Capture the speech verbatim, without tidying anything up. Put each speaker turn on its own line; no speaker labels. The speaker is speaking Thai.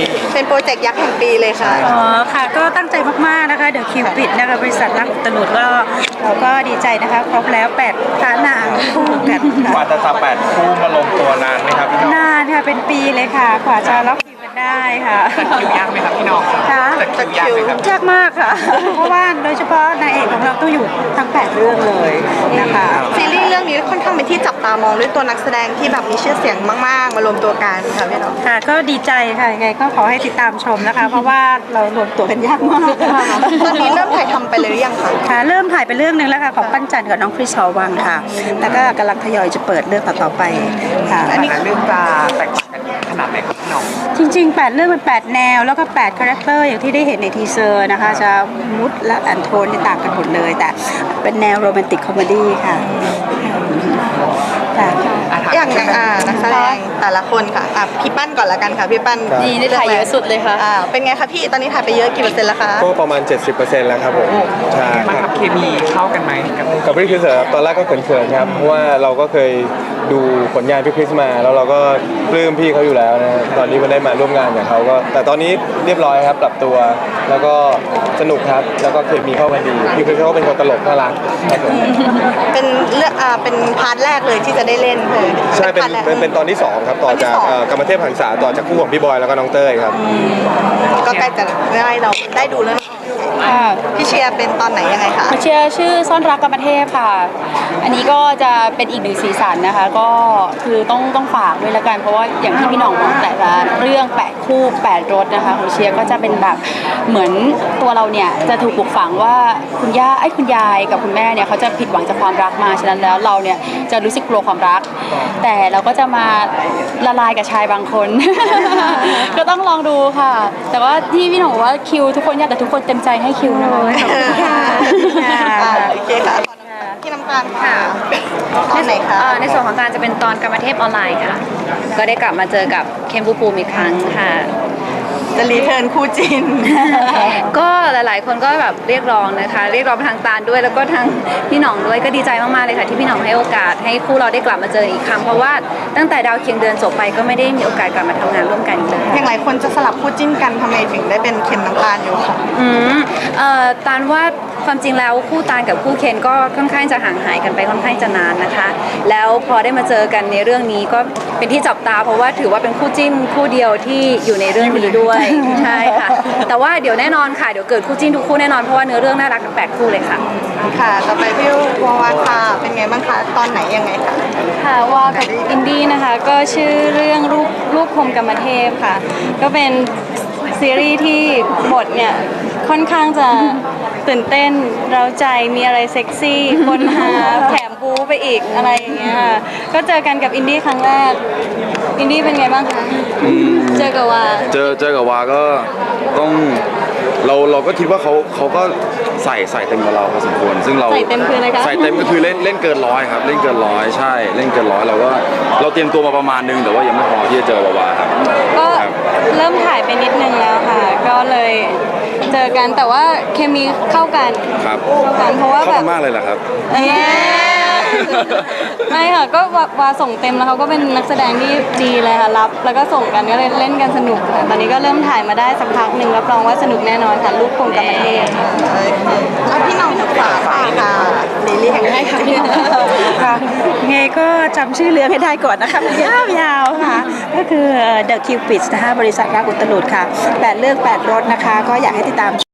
เป็นโปรเจกต์ยักษ์แห่งปีเลยค่ะ
อ๋อค่ะก็ตั้งใจมากๆนะคะเดอะคิวปิดนะคะบริษัทรักอุตลุดก็เราก็ดีใจนะคะครบแล้วแปดพระนางคู่กัน
กว่าจะจับแปดคู่มาลงตัวนานไหมครับพี่น้อง
นานค่ะเป็นปีเลยค่ะกว่าจะล็อกคิวกันได้ค่ะ
คิวยากไหมครับพี่น้อง
ค่ะ
จัดคิวยากไหมครับ
ยากมากค่ะเพราะว่าโดยเฉพาะนางเอกของเราต้องอยู่ทั้งแปดเรื่องเลยนะคะ
ซีรีส์เรื่องนี้ค่อนข้างเป็นที่จับตามองด้วยตัวนักแสดงที่แบบมีชื่อเสียงมากๆมารวมตัวกันค่ะพี่น้อง
ค่ะก็ดีใจค่ะยังไงก็ขอให้ติดตามชมนะคะเพราะว่าเรารวมตัวกันยากมาก
ตอนนี้เริ่มถ่ายทำไปเลยหรือยังคะ
ค่ะเริ่มถ่ายไปเรื่องนึงแล้วค่ะของปั้นจันกับน้องคริสหอวังค่ะแล้วก็กำลังทยอยจะเปิดเรื่องต่อๆไปค่ะ
อันนี้เรื่องจะแตกต่างกันขนาดไหนครับพี่น้อง
จริงๆแปดเรื่องเป็นแปดแนวแล้วก็แปดคาแรคเตอร์อย่างที่ได้เห็นในทีเซอร์นะคะจะมุดและอันโทนที่ต่างกันหมดเลยแต่เป็นแนวโรแมนติกคอมเมดี้ค่ะ
อย่างอย่างอ่านักแสดงแต่ละคนค่ะอ่ะพี่ปั้นก่อนละกันค่ะพี่ปั้น
ดีได้ถ่ายเยอะสุดเลยค่ะ
อ่าเป็นไงคะพี่ตอนนี้ถ่ายไปเยอะกี่เปอร์เซ็นต์แล้วคะ
ก็ประมาณ เจ็ดสิบเปอร์เซ็นต์ แล้วครับผม
ใช่มันครับเคมีเข้ากันไหมกับ
กับพี่คริสตอนแรกก็เขินๆครับเพราะว่าเราก็เคยดูผลงานพี่คริสมาแล้วเราก็ปลื้มพี่เขาอยู่แล้วนะตอนนี้มันได้มาร่วมงานกับเขาก็แต่ตอนนี้เรียบร้อยครับปรับตัวแล้วก็สนุกครับแล้วก็เคมีเข้ากันดีพี่คริสเขาก็เป็นคนตลกน่ารัก
เป็นเรื่องอ่าเป็นพาร์ทแรกเลยที่จะได้เล่นเลย
ใช่เป็นเป็นเป็นตอนที่สองครับต่อจากกรรมเทพหันษาต่อจากคู่ของพี่บอยแล้วก็น้องเต้ยครับ
ก็ใกล้จะได้เราได้ดูแล้วพี่เชียร์เป็นตอนไหนยังไงคะ
พี่เชียร์ชื่อซ่อนรักกรรมเทพค่ะอันนี้ก็จะเป็นอีกหนึ่งสีสันนะคะก็คือต้องต้องฝากด้วยละกันเพราะว่าอย่างที่พี่น้องบอกแต่ละเรื่องแปดคู่แปดรสนะคะของเชียร์ก็จะเป็นแบบเหมือนตัวเราเนี่ยจะถูกปลูกฝังว่าคุณย่าไอ้คุณยายกับคุณแม่เนี่ยเขาจะผิดหวังจากความรักมาฉะนั้นแล้วเราเนี่ยจะรู้สึกกลัวความรักแต่เราก็จะมาละลายกับชายบางคน ก็ต้องลองดูค่ะแต่ว่าที่พี่หนูบอกว่าคิวทุกคนยากแต่ทุกคนเต็มใจให้คิวนะคะ
ขอบคุณค่ะโอเคค่ะพี่น้ำตาลค่ะตอนไหนคะ
ในส่วนของการจะเป็นตอนกรรมเทพออนไลน์ค่ะก็ได้กลับมาเจอกับเคมบูปูอีกครั้งค่ะ
จะรีเทิร์นคู่จิน
ก็หลายๆคนก็แบบเรียกร้องนะคะเรียกร้องทางตาลด้วยแล้วก็ทางพี่หน่องด้วยก็ดีใจมากๆเลยค่ะที่พี่หน่องให้โอกาสให้คู่เราได้กลับมาเจออีกครั้งเพราะว่าตั้งแต่ดาวเคียงเดือนจบไปก็ไม่ได้มีโอกาสกลับมาทำงานร่วมกันอีกเลย
อย่างหลายคนจะสลับคู่จิ้นกันทำไมถึงได้เป็นเคนน้ำตาลอยู่ค่ะ
อืมเอ่อตาลว่าความจริงแล้วคู่ตาลกับคู่เคนก็ค่อนข้างจะห่างหายกันไปค่อนข้างจะนานนะคะแล้วพอได้มาเจอกันในเรื่องนี้ก็เป็นที่จับตาเพราะว่าถือว่าเป็นคู่จิ้นคู่เดียวที่อยู่ในเรื่องนี้ด้วยใช่ค่ะแต่ว่าเดี๋ยวแน่นอนค่ะเดี๋ยวเกิดคู่จิ้นทุกคู่แน่นอนเพราะว่าเนื้อเรื่องน่ารักทั้งแปดคู่เลยค่ะ
ค่ะต่อไปพี่วาวาค่ะเป็นไงบ้างคะตอนไหนยังไงคะ
ค่ะว่ากับอินดี้นะคะก็ชื่อเรื่องรูปรูปพรหมกรรมเทพค่ะก็เป็นซีรีส์ที่บทเนี่ยค่อนข้างจะตื่นเต้นเร้าใจมีอะไรเซ็กซี่คนหาแถมบู๊ไปอีกอะไรอย่างเงี้ยค่ะก็เจอกันกับอินดี้ครั้งแรกอินดี้เป็นไงบ้างคะเจอกับวา
เจอเจอกับวาก็ต้องเราเราก็คิดว่าเขาเขาก็ใส่ใส่เต็มกับเราพอสมควรซึ่งเรา
ใส่เต็มคืออะไรคะ
ใส่เต็มก็คือเล่นเล่นเกินร้อยครับเล่นเกินร้อยใช่เล่นเกินร้อยเราก็เราเตรียมตัวมาประมาณนึงแต่ว่ายังไม่พอที่จะเจอวาครับ
ก็เริ่มถ่ายไปนิดนึงแล้วค่ะก็เลยเจอกันแต่ว่าเคมีเข้ากัน
ครับ
เข้ากันเพราะว่าแบบ
มากเลยแหละครับ
ไม่ค่ะก็วาส่งเต็มแล้วเขาก็เป็นนักแสดงที่ดีเลยค่ะรับแล้วก็ส่งกันก็เลยเล่นกันสนุกค่ะตอนนี้ก็เริ่มถ่ายมาได้สักพักหนึ่งรับรองว่าสนุกแน่นอนค่ะลูกคงกรรมเทพ
แล้วพี่น้องฝากค่ะซีรีส์แห่งให้
ค่ะไงก็จำชื่อเรื่องให้ได้ก่อนนะคะยาวๆค่ะก็คือ The Cupid นะคะบริษัทรักอุตลุดค่ะแปดเรื่องแปดรสนะคะก็อยากให้ติดตาม